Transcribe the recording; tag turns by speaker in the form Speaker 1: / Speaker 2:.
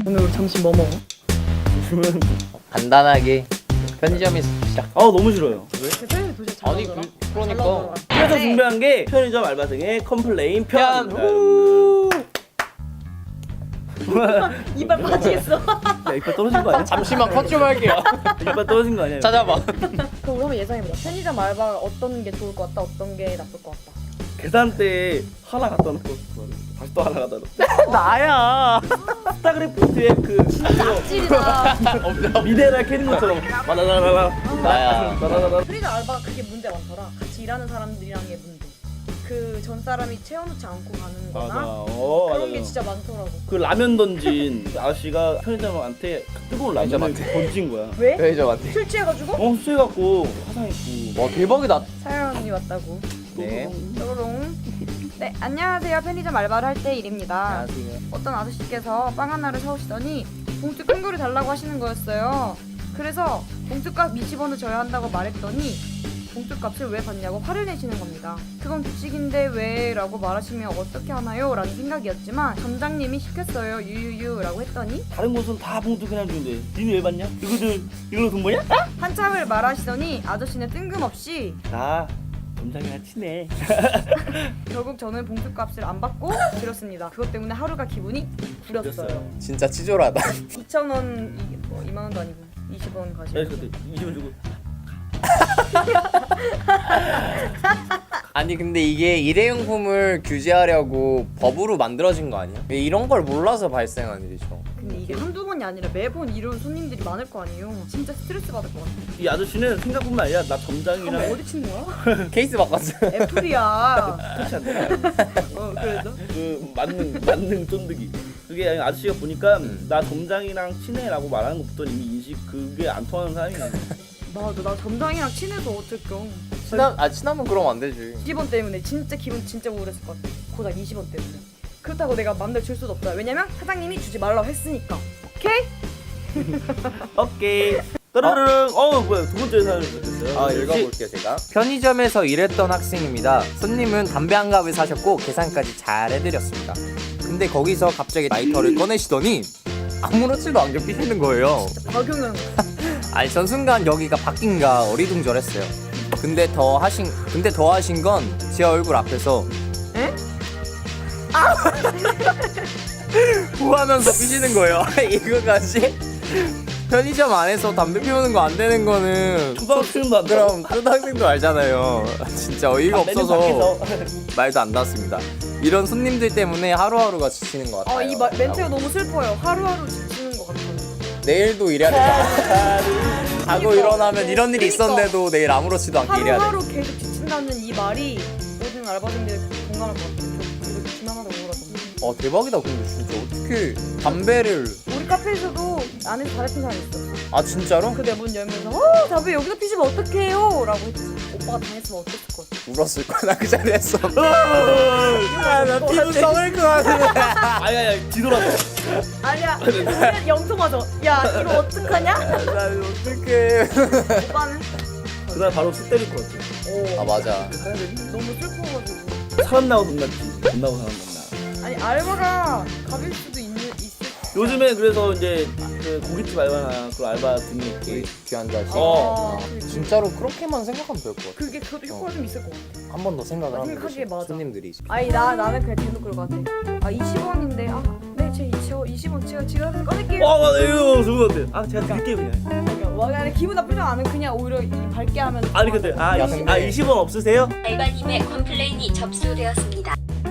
Speaker 1: 오늘 우리 점심 뭐 먹어?
Speaker 2: 그러면
Speaker 3: 간단하게 편의점에서 시작.
Speaker 2: 너무 싫어요. 왜?
Speaker 1: 대표님이 도저히 잘
Speaker 3: 아니
Speaker 1: 나오더라.
Speaker 3: 그러니까
Speaker 2: 그래서 준비한 게 편의점 알바생의 컴플레인 편.
Speaker 1: 이빨 빠지겠어.
Speaker 2: 야, 이빨 떨어진 거 아니야?
Speaker 3: 잠시만 컷 좀 할게요.
Speaker 2: 이빨 떨어진 거 아니야?
Speaker 3: 찾아봐.
Speaker 1: 그럼 우리 한번 예상해보자. 편의점 알바가 어떤 게 좋을 것 같다, 어떤 게 나쁠 것 같다.
Speaker 2: 계산대에 하나 갖다 놓고 다시 또 하나 갖다 놓고. 나야. 스타크래프트의 그
Speaker 1: 찌리다.
Speaker 2: 미네랄 캐는 것처럼 마다다다다.
Speaker 3: 나야.
Speaker 2: 마다다다.
Speaker 1: 편의점 알바가 그게 문제 많더라. 같이 일하는 사람들이랑의 문제. 그 전 사람이 채워놓지 않고 가는 거나
Speaker 2: 맞아.
Speaker 1: 그런
Speaker 2: 맞아.
Speaker 1: 게 진짜 많더라고.
Speaker 2: 그 라면 던진 아저씨가 편의점한테 뜨거운 라면을 던진 거야.
Speaker 1: 왜?
Speaker 3: 편의점한테.
Speaker 1: 술 취해가지고?
Speaker 2: 수해갖고 화상했고.
Speaker 3: 와 대박이다.
Speaker 1: 사연이 왔다고.
Speaker 3: 네.
Speaker 1: 뾰로롱. 네, 안녕하세요. 편의점 알바를 할 때 일입니다.
Speaker 3: 안녕하세요.
Speaker 1: 어떤 아저씨께서 빵 하나를 사오시더니 봉투 큰 거를 달라고 하시는 거였어요. 그래서 봉투값 20원을 줘야 한다고 말했더니 봉투값을 왜 받냐고 화를 내시는 겁니다. 그건 규칙인데 왜? 라고 말하시면 어떻게 하나요? 라는 생각이었지만 점장님이 시켰어요. 유유유 라고 했더니
Speaker 2: 다른 곳은 다 봉투 그냥 주는데 니는 왜 받냐? 이걸로 돈 버냐?
Speaker 1: 한참을 말하시더니 아저씨는 뜬금없이
Speaker 2: 나 점장이랑 친해.
Speaker 1: 결국 저는 봉투값을 안 받고 드렸습니다. 그것 때문에 하루가 기분이 구렸어요.
Speaker 3: 진짜 치졸하다.
Speaker 1: 2,000원, 이게 뭐 2만 원도 아니고 20원 가지고.
Speaker 2: 야, 그때 20원 주고.
Speaker 3: 아니 근데 이게 일회용품을 규제하려고 법으로 만들어진 거 아니야? 이런 걸 몰라서 발생한 일이죠.
Speaker 1: 근데 이게 한두 번이 아니라 매번 이런 손님들이 많을 거 아니에요. 진짜 스트레스 받을 것 같아.
Speaker 2: 이 아저씨는 생각뿐만 아니라 나 점장이랑
Speaker 1: 한번 어디 치는 거야?
Speaker 3: 케이스 바꿨어.
Speaker 1: 애플이야.
Speaker 2: 터치 안 돼.
Speaker 1: 그래서?
Speaker 2: 그 만능 쫀득이. 그게 아저씨가 보니까 나 점장이랑 친해라고 말하는 것부터 이미 인식 그게 안 통하는 사람이야.
Speaker 1: 맞아, 나 점장이랑 친해서 어쩔겨.
Speaker 3: 친하면 그럼 안 되지.
Speaker 1: 20원 때문에 진짜 기분 진짜 우울했을 것 같아. 고작 20원 때문에. 그렇다고 내가 맘대로 줄 수도 없다. 왜냐면 사장님이 주지 말라고 했으니까. 오케이?
Speaker 2: 오케이. 따르르릉. 뭐야 두 번째 사연을 보셨어요?
Speaker 3: 읽어볼게요 제가. 편의점에서 일했던 학생입니다. 손님은 담배 한 갑을 사셨고 계산까지 잘 해드렸습니다. 근데 거기서 갑자기 라이터를 꺼내시더니 아무렇지도 않게 피시는 거예요.
Speaker 1: 박용현.
Speaker 3: 아니 전 순간 여기가 바뀐가 어리둥절했어요. 근데 더 하신 건 제 얼굴 앞에서
Speaker 1: 에?
Speaker 3: 후하면서 피시는 거예요. 이거까지? 편의점 안에서 담배 피우는 거 안 되는 거는
Speaker 2: 초등학생도 안
Speaker 3: 그럼 초등학생도 알잖아요. 진짜 어이가 없어서 말도 안 닿았습니다. 이런 손님들 때문에 하루하루가 지치는 것 같아요.
Speaker 1: 이 멘트가 너무 슬퍼요. 하루하루 지치는 것 같아요.
Speaker 3: 내일도 일해야 되잖아. 자고 일어나면 이런 일이 있었는데도 내일 아무렇지도 않게 일해야 돼.
Speaker 1: 하루하루 계속 지친다는 이 말이 모든 알바생들이 공감할 것 같아요. 저 지나가다 우울하거든요.
Speaker 3: 대박이다. 근데 진짜 어떻게 담배를
Speaker 1: 우리 카페에서도 안에서 담배 핀 사람이 있었어.
Speaker 3: 진짜로?
Speaker 1: 그 내 문 열면서 담배 여기서 피시면 어떡해요? 라고 했지. 오빠가 당했으면 어땠을 것 같아.
Speaker 3: 울었을 거야. 나 그 자리에서. 나 피부 썩을 것 같은데.
Speaker 2: 아니 뒤돌아서.
Speaker 1: 아니야. 영통하죠. 야 이거 어떡하냐?
Speaker 3: 나 어떡해.
Speaker 1: 오빠는?
Speaker 2: 그날 바로 쑥 때릴 것 같아.
Speaker 3: 아 맞아.
Speaker 1: 너무 슬퍼가지고.
Speaker 2: 사람 나고 돈 났지. 돈 나고 사람 났나.
Speaker 1: 아니 알바가 가릴 수도 있을.
Speaker 2: 요즘에 그래서 이제 그 고깃집 알바나 그런 알바 등이 이렇게
Speaker 3: 귀한 자식. 진짜로 그렇게만 생각하면 될 것 같아.
Speaker 1: 그게 그것도 효과가 좀 있을 것 같아.
Speaker 3: 한 번 더 생각을 하면
Speaker 1: 생각하기에
Speaker 3: 되지.
Speaker 1: 맞아.
Speaker 3: 손님들이.
Speaker 1: 아니 나는 그냥 대놓고 그럴 것 같아. 20원인데 네 제 20원 제가 지금 꺼낼게요.
Speaker 2: 이거 좋은 것 같아. 제가 드릴게요 그냥.
Speaker 1: 그러니까 아니 기분 나쁘지 않은 그냥 오히려 이 밝게 하면.
Speaker 2: 아니 근데
Speaker 3: 야, 근데-
Speaker 2: 20원 없으세요?
Speaker 4: 알바님의 컴플레인이 접수되었습니다.